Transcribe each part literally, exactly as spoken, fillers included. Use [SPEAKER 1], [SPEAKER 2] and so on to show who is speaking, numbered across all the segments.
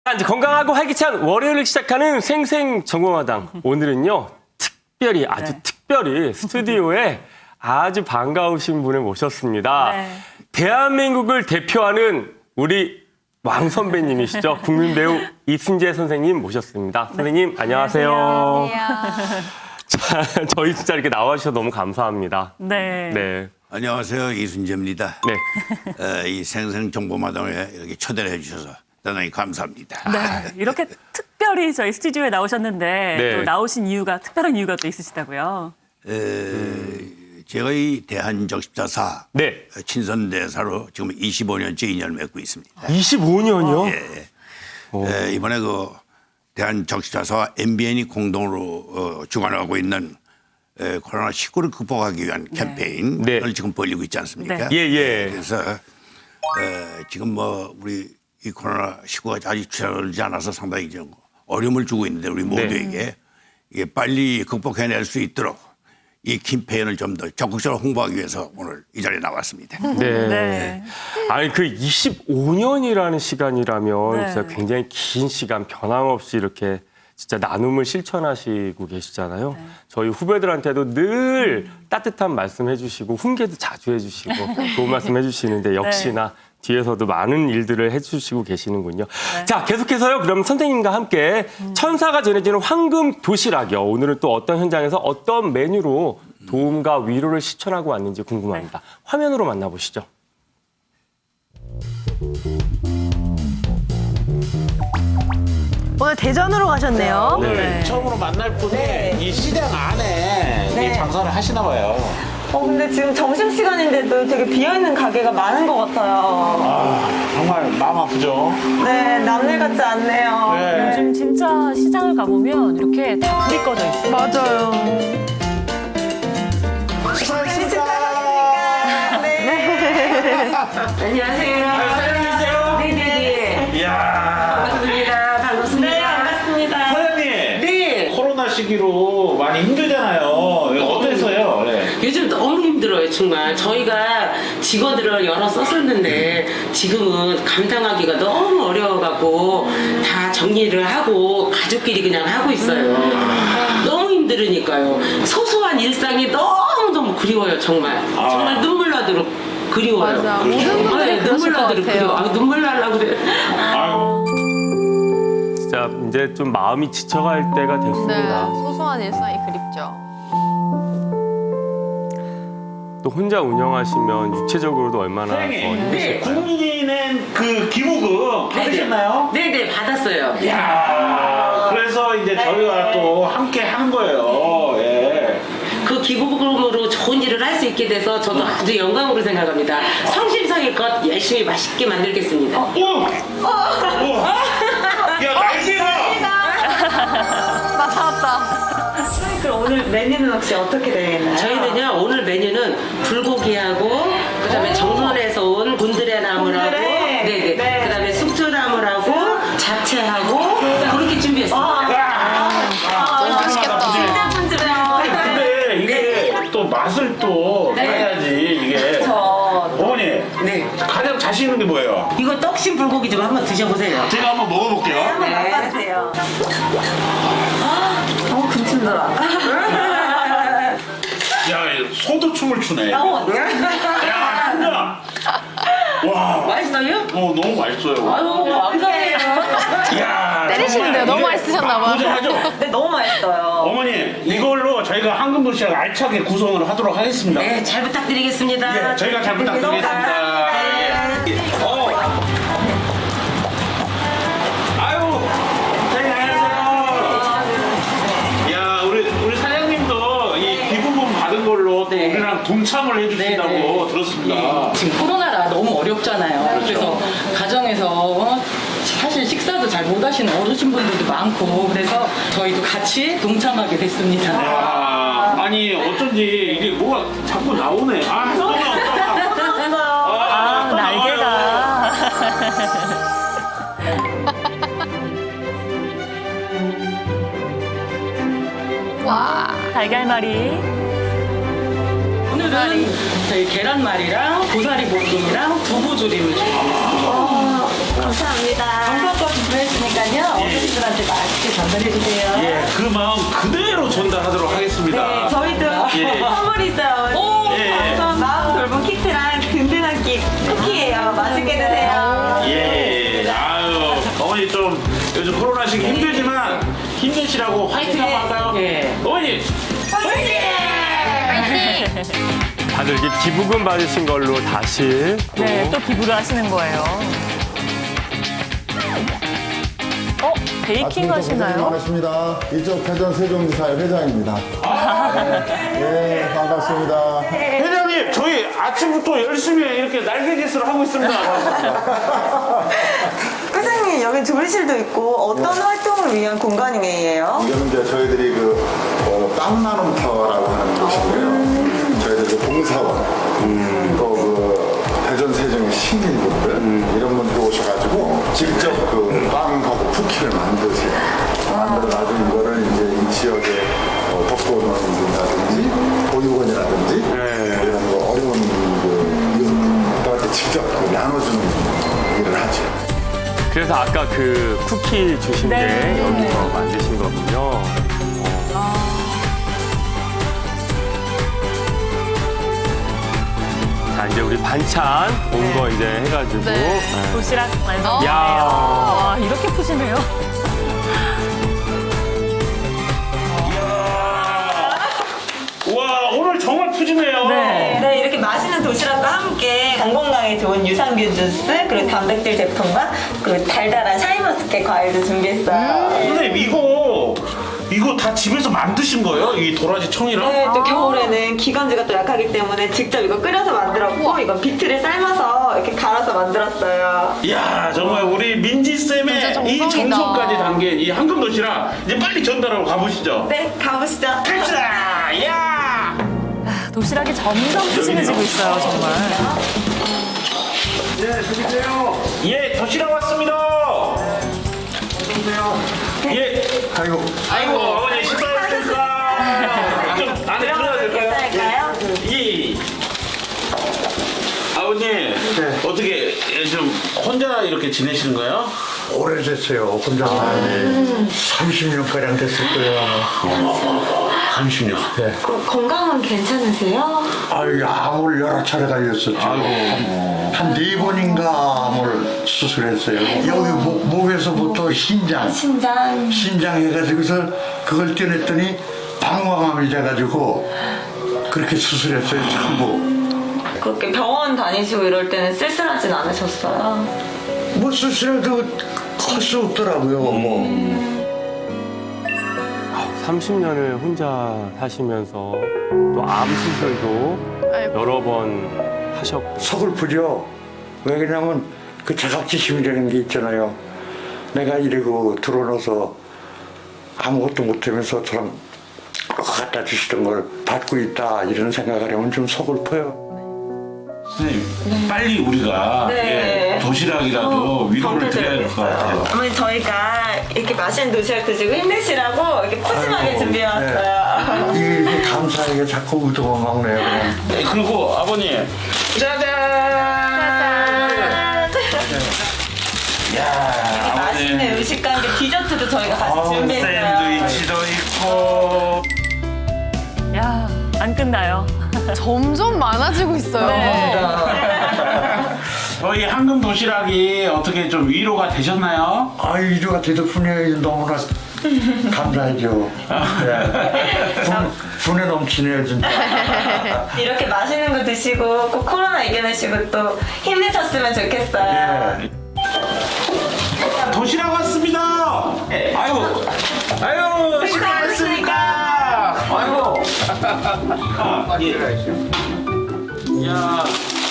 [SPEAKER 1] 이제 건강하고 활기찬 월요일을 시작하는 생생정보마당. 오늘은요, 특별히, 아주
[SPEAKER 2] 네.
[SPEAKER 1] 특별히 스튜디오에 아주 반가우신 분을 모셨습니다.
[SPEAKER 2] 네.
[SPEAKER 1] 대한민국을 대표하는 우리 왕 선배님이시죠. 국민 배우 이순재 선생님 모셨습니다. 선생님, 안녕하세요.
[SPEAKER 2] 안녕하세요.
[SPEAKER 1] 자, 저희 진짜 이렇게 나와주셔서 너무 감사합니다.
[SPEAKER 2] 네.
[SPEAKER 1] 네.
[SPEAKER 3] 안녕하세요. 이순재입니다.
[SPEAKER 1] 네.
[SPEAKER 3] 어, 이 생생정보마당에 이렇게 초대를 해주셔서 대단히 감사합니다.
[SPEAKER 2] 네. 이렇게 특별히 저희 스튜디오에 나오셨는데
[SPEAKER 1] 네.
[SPEAKER 2] 또 나오신 이유가 특별한 이유가 또 있으시다고요.
[SPEAKER 3] 에, 제가 이 대한적십자사
[SPEAKER 1] 네.
[SPEAKER 3] 친선대사로 지금 이십오 년째 인연을 맺고 있습니다.
[SPEAKER 1] 이십오 년이요?
[SPEAKER 3] 예. 에, 이번에 그 대한적십자사와 엠비엔이 공동으로 어, 주관하고 있는 에, 코로나십구를 극복하기 위한 캠페인을
[SPEAKER 1] 네.
[SPEAKER 3] 지금 벌리고 있지 않습니까?
[SPEAKER 2] 네.
[SPEAKER 1] 예, 예.
[SPEAKER 3] 그래서 에, 지금 뭐 우리 이 코로나십구가 아직 줄어들지 않아서 상당히 좀 어려움을 주고 있는데 우리 모두에게 이게 빨리 극복해낼 수 있도록 이 캠페인을 좀 더 적극적으로 홍보하기 위해서 오늘 이 자리에 나왔습니다.
[SPEAKER 1] 네.
[SPEAKER 2] 네.
[SPEAKER 1] 아니 그 이십오 년이라는 시간이라면
[SPEAKER 2] 네.
[SPEAKER 1] 진짜 굉장히 긴 시간 변함없이 이렇게 진짜 나눔을 실천하시고 계시잖아요.
[SPEAKER 2] 네.
[SPEAKER 1] 저희 후배들한테도 늘 따뜻한 말씀 해주시고 훈계도 자주 해주시고 좋은 말씀 해주시는데 역시나 뒤에서도 많은 일들을 해주시고 계시는군요.
[SPEAKER 2] 네.
[SPEAKER 1] 자, 계속해서요. 그럼 선생님과 함께 천사가 전해지는 황금 도시락이요. 오늘은 또 어떤 현장에서 어떤 메뉴로 도움과 위로를 실천하고 왔는지 궁금합니다. 화면으로 만나보시죠.
[SPEAKER 4] 오늘 대전으로 가셨네요.
[SPEAKER 1] 네.
[SPEAKER 2] 네.
[SPEAKER 5] 처음으로 만날 분이 이 시장 안에
[SPEAKER 6] 네.
[SPEAKER 5] 이 장사를 하시나 봐요.
[SPEAKER 6] 어, 근데 지금 점심시간인데도 되게 비어있는 가게가 많은 것 같아요.
[SPEAKER 5] 아, 정말 마음 아프죠?
[SPEAKER 6] 네, 남일 같지 않네요.
[SPEAKER 5] 네.
[SPEAKER 2] 요즘 진짜 시장을 가보면 이렇게 다 불이 꺼져 있어요.
[SPEAKER 4] 맞아요.
[SPEAKER 5] 식사했습니까?
[SPEAKER 6] 네. 안녕하세요.
[SPEAKER 5] 사장님이세요?
[SPEAKER 6] 네네네.
[SPEAKER 5] 이야.
[SPEAKER 6] 반갑습니다. 반갑습니다. 네, 반갑습니다.
[SPEAKER 5] 사장님.
[SPEAKER 6] 네.
[SPEAKER 5] 코로나 시기로 많이 힘들잖아요. 어때서요? 네.
[SPEAKER 7] 요즘 너무 힘들어요, 정말. 저희가 직원들을 여러 썼었는데 지금은 감당하기가 너무 어려워갖고 다 정리를 하고 가족끼리 그냥 하고 있어요. 너무 힘들으니까요. 소소한 일상이 너무너무 그리워요, 정말. 정말 눈물 나도록 그리워요.
[SPEAKER 4] 맞아. 모든 분들이
[SPEAKER 7] 네,
[SPEAKER 4] 그러실
[SPEAKER 7] 눈물
[SPEAKER 4] 것
[SPEAKER 7] 나도록
[SPEAKER 4] 같아요.
[SPEAKER 7] 그리워. 아, 눈물 날라고 그래.
[SPEAKER 5] 아유.
[SPEAKER 1] 진짜 이제 좀 마음이 지쳐갈 때가
[SPEAKER 4] 네,
[SPEAKER 1] 됐습니다.
[SPEAKER 4] 소소한 일상이 그립죠.
[SPEAKER 1] 또 혼자 운영하시면 유체적으로도 얼마나 더
[SPEAKER 5] 사장님.
[SPEAKER 1] 힘드실까요?
[SPEAKER 5] 국민은 그 기부금 받으셨나요?
[SPEAKER 7] 네네, 받았어요.
[SPEAKER 5] 이야. 그래서 이제 저희가 또 함께 하는 거예요. 예.
[SPEAKER 7] 그 기부금으로 좋은 일을 할 수 있게 돼서 저도 아주 영광으로 생각합니다. 성심성의껏 열심히 맛있게 만들겠습니다.
[SPEAKER 5] 오! 오! 야, 날개가!
[SPEAKER 4] 나 찾았다.
[SPEAKER 6] 그럼 오늘 메뉴는 혹시 어떻게 되겠나요?
[SPEAKER 7] 저희는요 오늘 메뉴는 불고기하고 그다음에 정선에서 온 곤드레 나물하고
[SPEAKER 6] 곤드레.
[SPEAKER 7] 네네
[SPEAKER 6] 네.
[SPEAKER 7] 그다음에 숙주나물하고 잡채하고 그렇게 준비했습니다.
[SPEAKER 4] 너무 맛있겠다.
[SPEAKER 6] 진짜 분집해요.
[SPEAKER 5] 근데 이게 또 맛을 또 해야지 이게. 어머니,
[SPEAKER 7] 네
[SPEAKER 5] 가장 자신 있는 게 뭐예요?
[SPEAKER 7] 이거 떡신 불고기 좀 한번 드셔보세요.
[SPEAKER 5] 제가 한번 먹어볼게요.
[SPEAKER 6] 한번
[SPEAKER 7] 네.
[SPEAKER 6] 맛봐주세요. 어, 금친더라.
[SPEAKER 5] 야, 소도 춤을 추네. 야, 진짜. 와,
[SPEAKER 7] 맛있어요?
[SPEAKER 5] 어, 너무 맛있어요.
[SPEAKER 7] 아유 감사해요.
[SPEAKER 5] 야,
[SPEAKER 4] 때리시는데요. 너무 맛있으셨나 봐요.
[SPEAKER 5] 도전하죠?
[SPEAKER 6] 네, 너무 맛있어요.
[SPEAKER 5] 어머니, 이걸로 저희가 황금 도시락 알차게 구성을 하도록 하겠습니다.
[SPEAKER 7] 네 잘 부탁드리겠습니다.
[SPEAKER 5] 예, 저희가 잘 부탁드리겠습니다. 예. 어. 아유, 사장님 안녕하세요. 야, 우리 우리 사장님도 이 기부금 받은 걸로 또
[SPEAKER 7] 네.
[SPEAKER 5] 우리랑 동참을 해주신다고
[SPEAKER 7] 네, 네.
[SPEAKER 5] 들었습니다.
[SPEAKER 8] 지금 코로나라 너무 어렵잖아요. 그래서 가정에서 어, 사실 식사도 잘 못 하시는 어르신분들도 많고 그래서 저희도 같이 동참하게 됐습니다.
[SPEAKER 5] 야, 아니 어쩐지 이게 뭐가 자꾸 나오네. 아, 너무
[SPEAKER 2] 아, 날개가.
[SPEAKER 4] 와.
[SPEAKER 2] 달걀말이.
[SPEAKER 8] 오늘은 저희 계란말이랑 고사리 볶음이랑 두부조림을 준비했습니다.
[SPEAKER 4] 감사합니다.
[SPEAKER 8] 한번까지 보내주니까요. 어르신들한테 맛있게 전달해주세요.
[SPEAKER 5] 예, 그 마음 그대로 전달하도록 하겠습니다.
[SPEAKER 6] 네, 저희도
[SPEAKER 5] 예.
[SPEAKER 6] 선물이 있어요.
[SPEAKER 5] 오! 예.
[SPEAKER 6] 우선 마음 돌봄 키트랑 든든한 끼 쿠키예요. 맛있게 드세요.
[SPEAKER 5] 예, 아유, 어머니 좀 요즘 코로나 시기 힘들지만 힘내시라고 화이팅 한번 할까요?
[SPEAKER 7] 예.
[SPEAKER 5] 어머니,
[SPEAKER 1] 다들 이제 기부금 받으신 걸로 다시 또
[SPEAKER 2] 네, 또 기부를 하시는 거예요. 어, 베이킹 하시나요?
[SPEAKER 9] 반갑습니다. 이쪽 대전 세종지사의 회장입니다. 네, 네, 반갑습니다.
[SPEAKER 5] 회장님, 저희 아침부터 열심히 이렇게 날개짓을 하고 있습니다.
[SPEAKER 6] 회장님, 여기 조리실도 있고 어떤 활동을 위한 공간이에요?
[SPEAKER 9] 이거는 이제 저희들이 그 어, 빵 나눔 타워라고 하는 곳인데요. 저희들 그 봉사원, 또 그 대전 세종의 시민분들 이런 분들 오셔가지고 직접 그 빵하고 쿠키를 만드세요. 만들어 놔준 이거를 이제 이 지역의 어, 독거노인이라든지 보육원이라든지 이런 거 어려운 그 이웃들한테 직접 그 나눠주는 일을 하죠.
[SPEAKER 1] 그래서 아까 그 쿠키 주신 게
[SPEAKER 2] 네.
[SPEAKER 1] 여기서 만드신 거군요. 자, 이제 우리 반찬 온 거 이제 해가지고. 네.
[SPEAKER 2] 도시락 완성이네요.
[SPEAKER 1] 야.
[SPEAKER 2] 와, 이렇게 푸시네요.
[SPEAKER 5] 와, 오늘 정말 푸짐해요.
[SPEAKER 2] 네.
[SPEAKER 6] 네, 이렇게 맛있는 도시락과 함께 간 건강에 좋은 유산균 주스, 그리고 단백질 제품과 그 달달한 샤인머스켓 과일도 준비했어요.
[SPEAKER 5] 선생님, 이거, 이거 다 집에서 만드신 거예요? 이 도라지 청이랑?
[SPEAKER 6] 네, 또 겨울에는 기관지가 또 약하기 때문에 직접 이거 끓여서 만들었고, 이건 비트를 삶아서 이렇게 갈아서 만들었어요.
[SPEAKER 5] 이야, 정말 우리 민지쌤의
[SPEAKER 4] 진짜
[SPEAKER 5] 이
[SPEAKER 4] 정성이다.
[SPEAKER 5] 정성까지 담긴 이 황금 도시락 이제 빨리 전달하고 가보시죠.
[SPEAKER 6] 네, 가보시죠.
[SPEAKER 5] 갑시다! 야!
[SPEAKER 2] 도시락이 점점 푸짐해지고 있어요, 정말.
[SPEAKER 5] 예, 드리세요. 예, 도시락 왔습니다. 예.
[SPEAKER 9] 아이고,
[SPEAKER 5] 아이고, 어머니 식사하셨습니까? 좀 안에 들어가도 될까요?
[SPEAKER 6] 괜찮을까요?
[SPEAKER 5] 예. 아버님, 어떻게 좀 혼자 이렇게 지내시는 거예요?
[SPEAKER 10] 오래됐어요. 혼자 살지. 삼십 년가량 됐을 거예요.
[SPEAKER 5] 삼십 년.
[SPEAKER 10] 네.
[SPEAKER 6] 그, 건강은 괜찮으세요?
[SPEAKER 10] 아유, 암을 여러 차례 걸렸었죠. 한 네 번인가 암을 수술했어요. 여기 목, 목에서부터 심장,
[SPEAKER 6] 심장.
[SPEAKER 10] 심장 해가지고서 그걸 떼냈더니 방광암이 돼가지고 그렇게 수술했어요, 전부.
[SPEAKER 6] 그렇게 병원 다니시고 이럴 때는 쓸쓸하진 않으셨어요?
[SPEAKER 10] 뭐 수술해도 할 수 없더라고요, 뭐.
[SPEAKER 1] 삼십 년을 혼자 사시면서 또 암 수술도
[SPEAKER 4] 아이고.
[SPEAKER 1] 여러 번 하셨고.
[SPEAKER 10] 서글프죠. 왜 그러냐면 그 자각지심이라는 게 있잖아요. 내가 이러고 들어놓아서 아무것도 못하면서 저랑 갖다 주시던 걸 받고 있다 이런 생각을 하면 좀 서글퍼요.
[SPEAKER 5] 선생님, 빨리 우리가
[SPEAKER 6] 네.
[SPEAKER 5] 예, 도시락이라도 위로를
[SPEAKER 6] 어,
[SPEAKER 5] 드려야 될 것 같아요.
[SPEAKER 6] 어머니 저희가 이렇게 맛있는 도시락 드시고 힘내시라고 이렇게 푸짐하게
[SPEAKER 10] 아이고,
[SPEAKER 6] 준비해왔어요.
[SPEAKER 10] 이게 이렇게 감사하게 자꾸 우동을 먹네요. 그냥.
[SPEAKER 5] 네, 그리고 아버님, 짜잔! 야,
[SPEAKER 6] 맛있는 음식과 함께 디저트도 저희가 같이
[SPEAKER 5] 아우,
[SPEAKER 6] 준비했어요.
[SPEAKER 5] 샌드위치도 있고.
[SPEAKER 2] 야, 안 끝나요.
[SPEAKER 4] 점점 많아지고 있어요.
[SPEAKER 2] 네.
[SPEAKER 5] 저희 황금 도시락이 어떻게 좀 위로가 되셨나요?
[SPEAKER 10] 아, 이주가 대덕분에 너무나 감사하죠. 네. 분, 분에 넘치네요, 진짜.
[SPEAKER 6] 이렇게 맛있는 거 드시고 꼭 코로나 이겨내시고 또 힘내셨으면 좋겠어요.
[SPEAKER 10] 예.
[SPEAKER 5] 도시락 왔습니다. 아유, 아유, 식사하셨습니까? 아이고. 아, 예. 야.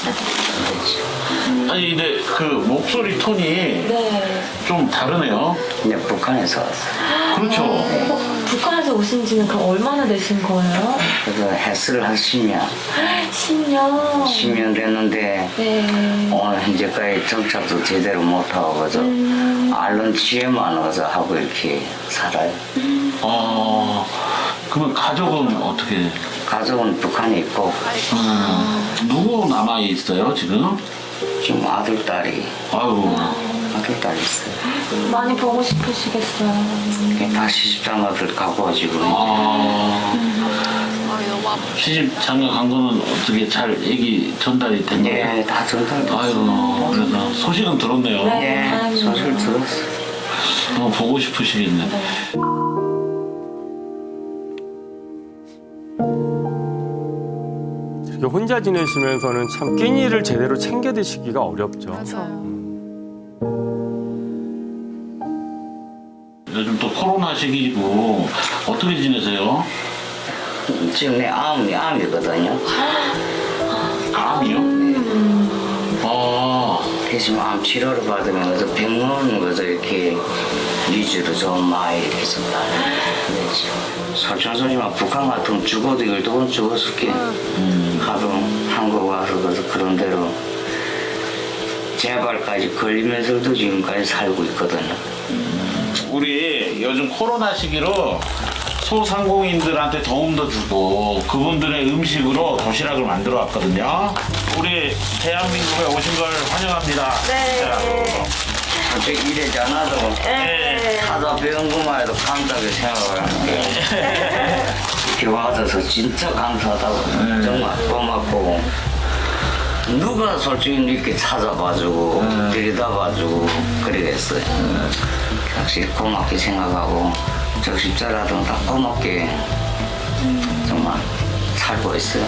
[SPEAKER 5] 아니 근데 그 목소리 톤이
[SPEAKER 6] 네.
[SPEAKER 5] 좀 다르네요.
[SPEAKER 11] 이제 북한에서 왔어요.
[SPEAKER 5] 그렇죠.
[SPEAKER 6] 어, 북한에서 오신 지는 그럼 얼마나 되신 거예요?
[SPEAKER 11] 그래서 헬스를 한 십 년,
[SPEAKER 6] 십 년.
[SPEAKER 11] 십 년 됐는데
[SPEAKER 6] 네.
[SPEAKER 11] 오늘 현재까지 정착도 제대로 못하고 그래서
[SPEAKER 6] 음.
[SPEAKER 11] 앓는 치에만 와서 하고 이렇게 살아요.
[SPEAKER 5] 어, 그러면 가족은 어떻게?
[SPEAKER 11] 가족은 북한에 있고
[SPEAKER 5] 음, 누구 남아 있어요 지금?
[SPEAKER 11] 지금 아들, 딸이
[SPEAKER 5] 아유,
[SPEAKER 11] 학교 다녔어요.
[SPEAKER 2] 많이 보고 싶으시겠어요.
[SPEAKER 11] 다 시집장가들 가고 지금.
[SPEAKER 5] 아, 시집 장가 간 거는 어떻게 잘 얘기 전달이 된 거예요?
[SPEAKER 11] 네, 다 전달.
[SPEAKER 5] 아이고, 그래서 소식은 들었네요.
[SPEAKER 11] 네, 소식을 들었어.
[SPEAKER 5] 너무 보고 싶으시겠네.
[SPEAKER 1] 이렇게 혼자 지내시면서는 참 끼니를 제대로 챙겨 드시기가 어렵죠.
[SPEAKER 5] 요즘 또 코로나 시기고 어떻게 지내세요?
[SPEAKER 11] 지금 내 암이 암이거든요.
[SPEAKER 5] 암이요? 아,
[SPEAKER 11] 대신 암 치료를 받으면서 병원 가서 이렇게 위주로 좀 많이 이렇게 좀 그랬지. 솔직하지만 북한 같으면 죽어도 열두 번 죽었을 게 하루 한국 와서 그래서 그런 대로 재발까지 걸리면서도 지금까지 살고 있거든요.
[SPEAKER 5] 우리 요즘 코로나 시기로 소상공인들한테 도움도 주고 그분들의 음식으로 도시락을 만들어 왔거든요. 우리 대한민국에 오신 걸 환영합니다. 네.
[SPEAKER 11] 솔직히 이래지 않아도 사다 배운 것만 해도 감사하게 생각을 하는데 이렇게 와줘서 진짜 감사하다고 정말 고맙고 누가 솔직히 이렇게 찾아봐주고 들여다봐주고 그러겠어요. 확실히 고맙게 생각하고 적십자라도 다 고맙게 정말 살고 있어요.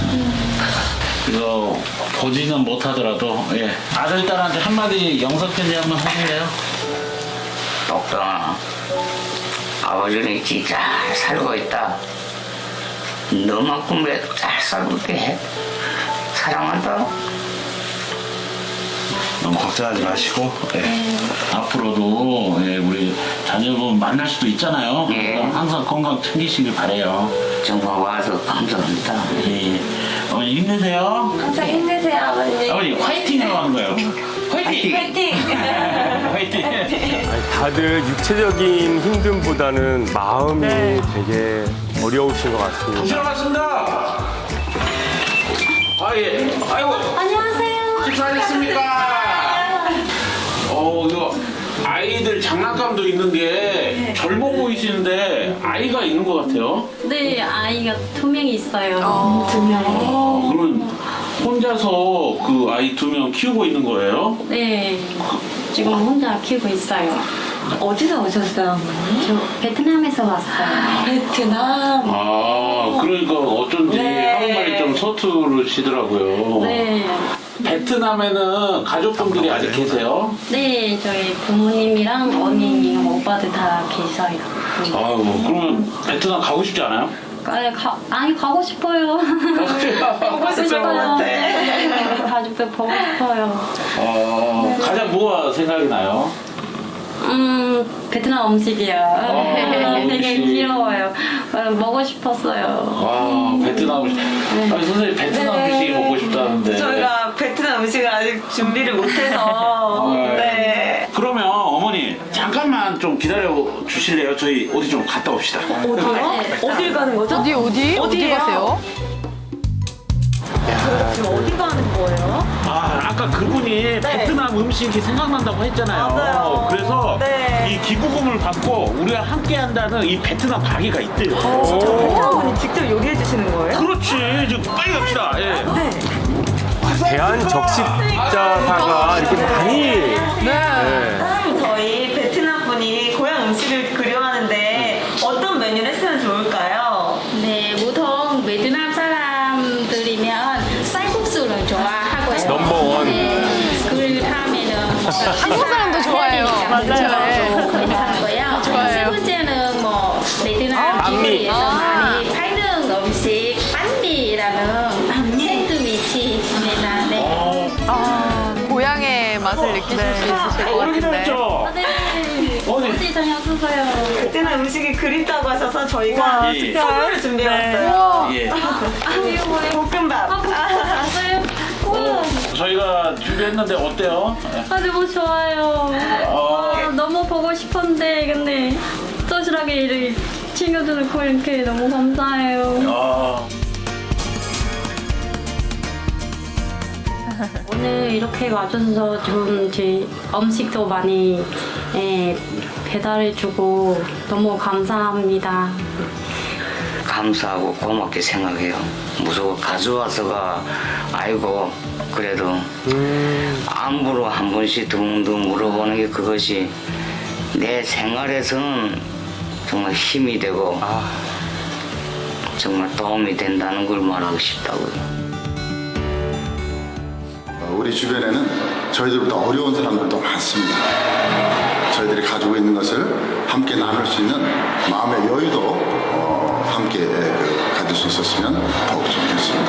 [SPEAKER 5] 이거 보지는 못하더라도 예. 아들 딸한테 한마디 영상 편지 한번 하실래요?
[SPEAKER 11] 똑똑아 아버지는 진짜 잘 살고 있다. 너만큼이라도 잘 살고 있게 해. 사랑한다.
[SPEAKER 5] 너무 걱정하지 마시고 예. 앞으로도 예, 우리 자녀분 만날 수도 있잖아요.
[SPEAKER 11] 예.
[SPEAKER 5] 그러니까 항상 건강 챙기시길 바래요.
[SPEAKER 11] 정말 와서 감사합니다.
[SPEAKER 5] 예. 어머니 힘내세요.
[SPEAKER 6] 항상 힘내세요, 아버님.
[SPEAKER 5] 아버님 화이팅이라고 하는 거예요. 화이팅!
[SPEAKER 6] 화이팅!
[SPEAKER 5] 화이팅!
[SPEAKER 1] 아니, 다들 육체적인 힘듦보다는 마음이 되게 어려우신 것 같습니다.
[SPEAKER 5] 고생 많습니다. 아 예. 아이고.
[SPEAKER 2] 안녕하세요.
[SPEAKER 5] 식사하셨습니까? 어 이거 아이들 장난감도 있는 게 젊어 보이시는데 아이가 있는 것 같아요.
[SPEAKER 2] 네, 아이가 두 명 있어요. 두 명.
[SPEAKER 5] 아, 그러면 혼자서 그 아이 두 명 키우고 있는 거예요?
[SPEAKER 2] 네, 지금 혼자 키우고 있어요.
[SPEAKER 6] 어디서 오셨어요, 어머니?
[SPEAKER 2] 저 베트남에서 왔어요.
[SPEAKER 6] 베트남.
[SPEAKER 5] 아 그러니까 어쩐지
[SPEAKER 6] 네.
[SPEAKER 5] 한국말이 좀 서투르시더라고요.
[SPEAKER 2] 네,
[SPEAKER 5] 베트남에는 가족분들이 아직 계세요?
[SPEAKER 2] 네, 저희 부모님이랑 언니랑 오빠들 다 계셔요.
[SPEAKER 5] 아유 그러면 베트남 가고 싶지 않아요?
[SPEAKER 2] 아니, 가, 아니 가고 싶어요.
[SPEAKER 6] 보고 싶을 것 같아.
[SPEAKER 2] 네, 가족들 보고 싶어요.
[SPEAKER 5] 어, 가장 뭐가 생각이 나요?
[SPEAKER 2] 음, 베트남 음식이요. 되게
[SPEAKER 5] 음식.
[SPEAKER 2] 귀여워요. 어, 먹고 싶었어요.
[SPEAKER 5] 와 베트남 음식. 아니 선생님 베트남
[SPEAKER 6] 네.
[SPEAKER 5] 음식이 먹고 싶다는데.
[SPEAKER 6] 저희가 베트남 음식을 아직 준비를 못해서.
[SPEAKER 5] 네.
[SPEAKER 6] 네.
[SPEAKER 5] 그러면 어머니 잠깐만 좀 기다려 주실래요? 저희 어디 좀 갔다 옵시다.
[SPEAKER 6] 어디요? 어딜 가는 거죠?
[SPEAKER 4] 어디 어디? 어디 가세요?
[SPEAKER 6] 지금 어디 가는 거예요?
[SPEAKER 5] 아 아까 그분이 베트남 음식이 생각난다고 했잖아요.
[SPEAKER 6] 맞아요.
[SPEAKER 5] 그래서
[SPEAKER 6] 네.
[SPEAKER 5] 이 기부금을 받고 우리가 함께 한다는 이 베트남 가게가 있대요.
[SPEAKER 6] 베트남분이 직접 요리해 주시는 거예요?
[SPEAKER 5] 그렇지 지금 빨리 갑시다. 예.
[SPEAKER 6] 네.
[SPEAKER 1] 대한적십자사가 이렇게 많이 네.
[SPEAKER 6] 다음 저희 베트남 분이 고향 음식을 그려하는데 어떤 메뉴를 했으면 좋을까요?
[SPEAKER 2] 네, 보통 베트남 사람들이면 쌀국수를 좋아하고요.
[SPEAKER 1] 넘버원.
[SPEAKER 2] 네, 그 다음에는
[SPEAKER 4] 한국 사람도 좋아해요.
[SPEAKER 2] 맞아요. 그렇고요.
[SPEAKER 4] 좋아해요.
[SPEAKER 2] 세 번째는 뭐 베트남
[SPEAKER 1] 반미.
[SPEAKER 2] 기술에서
[SPEAKER 4] 아.
[SPEAKER 2] 많이 팔는 음식 반미라는 샌드위치 있습니다. 네.
[SPEAKER 4] 아, 고향의 맛을 느끼실 수 있으실 것
[SPEAKER 5] 어디
[SPEAKER 4] 같은데.
[SPEAKER 5] 기다렸죠?
[SPEAKER 2] 네.
[SPEAKER 5] 어디?
[SPEAKER 2] 어디 다녀오셨어요?
[SPEAKER 6] 베트남 음식이 그립다고 하셔서 저희가
[SPEAKER 5] 예.
[SPEAKER 6] 선물을 준비해왔어요.
[SPEAKER 5] 예.
[SPEAKER 2] 아유, 뭐예요?
[SPEAKER 6] 볶음밥.
[SPEAKER 2] 아, 봤어요? 우와.
[SPEAKER 5] 저희가 준비했는데 어때요?
[SPEAKER 2] 아, 너무 좋아요. 아, 너무 보고 싶었는데, 근데, 도시락에 이렇게 챙겨주는 거 이렇게 너무 감사해요.
[SPEAKER 5] 아.
[SPEAKER 2] 오늘 이렇게 와줘서 좀 제 음식도 많이 예, 배달해주고 너무 감사합니다.
[SPEAKER 11] 감사하고 고맙게 생각해요. 무조건 가져와서가 아이고 그래도 안부로 한 번씩 둥둥 물어보는 게 그것이 내 생활에서는 정말 힘이 되고 정말 도움이 된다는 걸 말하고 싶다고요.
[SPEAKER 9] 우리 주변에는 저희들보다 어려운 사람들도 많습니다. 저희들이 가지고 있는 것을 함께 나눌 수 있는 마음의 여유도 어, 함께 그, 가질 수 있었으면 더욱 좋겠습니다.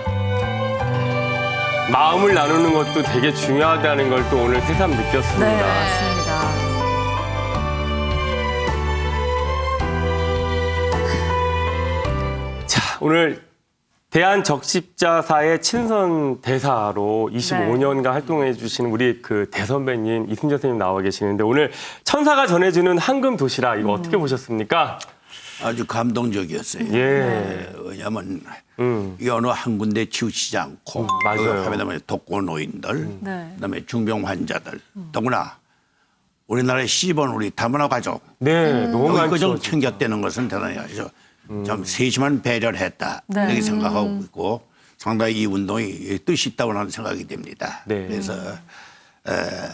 [SPEAKER 1] 마음을 나누는 것도 되게 중요하다는 걸 또 오늘 새삼 느꼈습니다.
[SPEAKER 4] 네, 맞습니다.
[SPEAKER 1] 자, 오늘 대한적십자사의 친선 대사로 이십오 년간 활동해 주시는 우리 그 대선배님 이순재 선생님 나와 계시는데 오늘 천사가 전해주는 황금 도시락 이거 어떻게 보셨습니까?
[SPEAKER 3] 아주 감동적이었어요.
[SPEAKER 1] 예.
[SPEAKER 3] 네, 왜냐하면
[SPEAKER 1] 음.
[SPEAKER 3] 이 어느 한 군데 치우치지 않고
[SPEAKER 1] 맞아요.
[SPEAKER 3] 그다음에 독거노인들,
[SPEAKER 4] 네.
[SPEAKER 3] 그다음에 중병 환자들, 더구나 우리나라의 시번 우리 다문화 가족
[SPEAKER 1] 네, 너무
[SPEAKER 3] 여기
[SPEAKER 1] 많죠.
[SPEAKER 3] 그좀 챙겼다는 것은 대단히 아주 좀 세심한 배려를 했다
[SPEAKER 4] 네.
[SPEAKER 3] 이렇게 생각하고 있고 상당히 이 운동이 뜻이 있다고 하는 생각이 됩니다.
[SPEAKER 1] 네.
[SPEAKER 3] 그래서 에,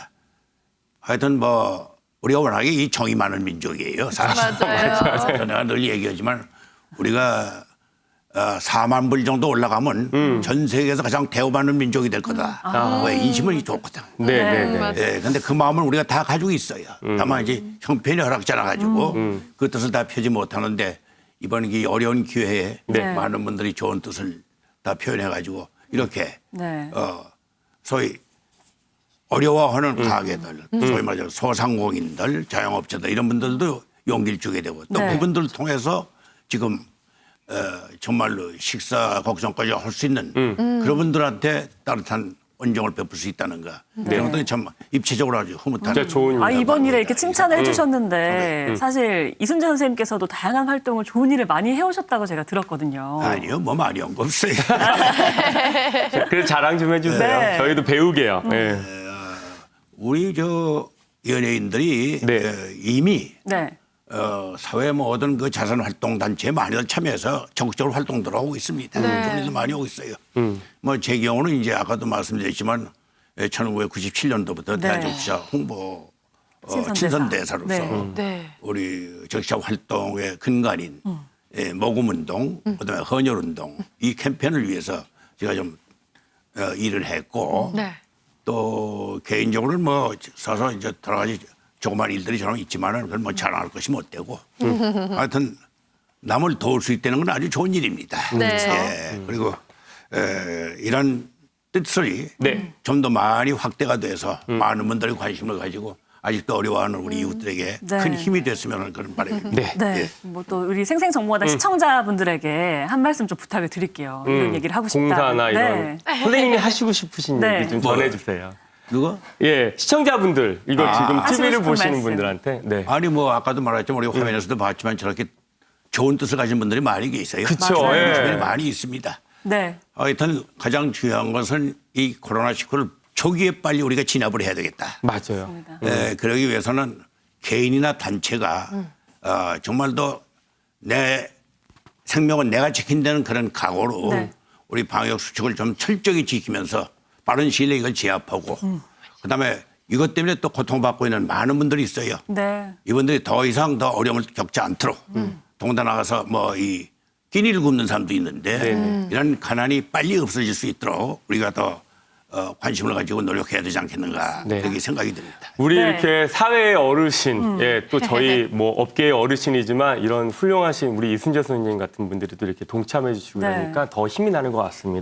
[SPEAKER 3] 하여튼 뭐 우리가 워낙에 이 정이 많은 민족이에요. 사실.
[SPEAKER 4] 맞아요.
[SPEAKER 3] 내가 늘 얘기하지만 우리가 어, 사만 불 정도 올라가면
[SPEAKER 1] 음.
[SPEAKER 3] 전 세계에서 가장 대우받는 민족이 될 거다.
[SPEAKER 1] 아.
[SPEAKER 3] 왜 인심은 좋거든.
[SPEAKER 1] 네, 네, 네.
[SPEAKER 4] 맞아요.
[SPEAKER 3] 예, 근데 그 마음을 우리가 다 가지고 있어요.
[SPEAKER 1] 음.
[SPEAKER 3] 다만 이제 형편이 허락지 않아 가지고 그 뜻을 다 펴지 못하는데 이번 이 어려운 기회에
[SPEAKER 1] 네.
[SPEAKER 3] 많은 분들이 좋은 뜻을 다 표현해 가지고 이렇게
[SPEAKER 4] 네.
[SPEAKER 3] 어, 소위 어려워하는
[SPEAKER 1] 음.
[SPEAKER 3] 가게들, 소위 말해서 소상공인들, 자영업자들 이런 분들도 용기를 주게 되고 또
[SPEAKER 4] 네.
[SPEAKER 3] 그분들을 통해서 지금 어, 정말로 식사 걱정까지 할 수 있는
[SPEAKER 1] 음.
[SPEAKER 3] 그런 분들한테 따뜻한 온정을 베풀 수 있다는가 이런 것들이 참 입체적으로 아주 흐뭇한
[SPEAKER 1] 진짜 좋은
[SPEAKER 4] 아,
[SPEAKER 1] 일이다.
[SPEAKER 4] 이번 일에 이렇게 칭찬을
[SPEAKER 1] 음.
[SPEAKER 4] 해주셨는데 사실 이순재 선생님께서도 다양한 활동을 좋은 일을 많이 해오셨다고 제가 들었거든요.
[SPEAKER 3] 아니요, 뭐 많이 한 거 없어요.
[SPEAKER 1] 그래서 자랑 좀 해주세요.
[SPEAKER 4] 네.
[SPEAKER 1] 저희도 배우게요. 네.
[SPEAKER 3] 우리 저 연예인들이
[SPEAKER 1] 네.
[SPEAKER 3] 어, 이미
[SPEAKER 4] 네.
[SPEAKER 3] 어, 사회 모든 그 자선 활동 단체에 많이들 참여해서 적극적으로 활동들 하고 있습니다. 좋은 일도 많이 하고 있어요.
[SPEAKER 1] 음.
[SPEAKER 3] 뭐 제 경우는 이제 아까도 말씀드렸지만 천구백구십칠 년도부터
[SPEAKER 4] 네.
[SPEAKER 3] 대한적십자 홍보 어,
[SPEAKER 4] 친선대사.
[SPEAKER 3] 친선대사로서
[SPEAKER 4] 네.
[SPEAKER 8] 네.
[SPEAKER 3] 우리 적십자 활동의 근간인
[SPEAKER 4] 음.
[SPEAKER 3] 예, 모금운동, 그다음에 헌혈운동 이 캠페인을 위해서 제가 좀 어, 일을 했고
[SPEAKER 4] 네.
[SPEAKER 3] 또 개인적으로는 뭐 서서 이제 여러 가지 조그만 일들이 저는 있지만은 그건 뭐 자랑할 것이 못 되고 하여튼 남을 도울 수 있다는 건 아주 좋은 일입니다.
[SPEAKER 4] 네.
[SPEAKER 3] 예, 그리고 에, 이런 뜻이
[SPEAKER 1] 네.
[SPEAKER 3] 좀 더 많이 확대가 돼서 많은 분들이 관심을 가지고 아직도 어려워하는 우리 이웃들에게
[SPEAKER 4] 네.
[SPEAKER 3] 큰 힘이 됐으면 하는 그런 바람입니다.
[SPEAKER 1] 네.
[SPEAKER 4] 네.
[SPEAKER 3] 예.
[SPEAKER 4] 뭐 또 우리 생생정보마다 시청자분들에게 한 말씀 좀 부탁을 드릴게요. 이런
[SPEAKER 1] 음,
[SPEAKER 4] 얘기를 하고 싶다.
[SPEAKER 1] 공사나 이런
[SPEAKER 4] 네.
[SPEAKER 1] 선생님이 하시고 싶으신
[SPEAKER 4] 네.
[SPEAKER 1] 얘기 좀
[SPEAKER 3] 뭐요?
[SPEAKER 1] 전해주세요.
[SPEAKER 3] 누가?
[SPEAKER 1] 예, 시청자분들 이거
[SPEAKER 3] 아.
[SPEAKER 1] 지금
[SPEAKER 4] 하시고
[SPEAKER 1] 티비를
[SPEAKER 4] 싶은
[SPEAKER 1] 보시는
[SPEAKER 4] 말씀.
[SPEAKER 1] 분들한테 네.
[SPEAKER 3] 아니 뭐 아까도 말했지만 우리가 화면에서도 봤지만 저렇게 좋은 뜻을 가진 분들이 많이 계세요.
[SPEAKER 1] 그쵸,
[SPEAKER 3] 맞아요.
[SPEAKER 1] 예.
[SPEAKER 3] 주변에 많이 있습니다.
[SPEAKER 4] 네.
[SPEAKER 3] 하여튼 가장 중요한 것은 이 코로나십구를 초기에 빨리 우리가 진압을 해야 되겠다.
[SPEAKER 1] 맞아요.
[SPEAKER 3] 에, 그러기 위해서는 개인이나 단체가 어, 정말 더 내 생명은 내가 지킨다는 그런 각오로
[SPEAKER 4] 네.
[SPEAKER 3] 우리 방역 수칙을 좀 철저히 지키면서 빠른 시일 내에 이걸 제압하고 그다음에 이것 때문에 또 고통받고 있는 많은 분들이 있어요.
[SPEAKER 4] 네.
[SPEAKER 3] 이분들이 더 이상 더 어려움을 겪지 않도록 동다 나가서 뭐 이 끼니를 굽는 사람도 있는데
[SPEAKER 1] 네네.
[SPEAKER 3] 이런 가난이 빨리 없어질 수 있도록 우리가 더 어, 관심을 가지고 노력해야 되지 않겠는가
[SPEAKER 1] 네.
[SPEAKER 3] 그렇게 생각이 듭니다.
[SPEAKER 1] 우리
[SPEAKER 4] 네.
[SPEAKER 1] 이렇게 사회의 어르신, 예, 또 저희 뭐 업계의 어르신이지만 이런 훌륭하신 우리 이순재 선생님 같은 분들이 또 이렇게 동참해 주시고
[SPEAKER 4] 네.
[SPEAKER 1] 그러니까 더 힘이 나는 것 같습니다.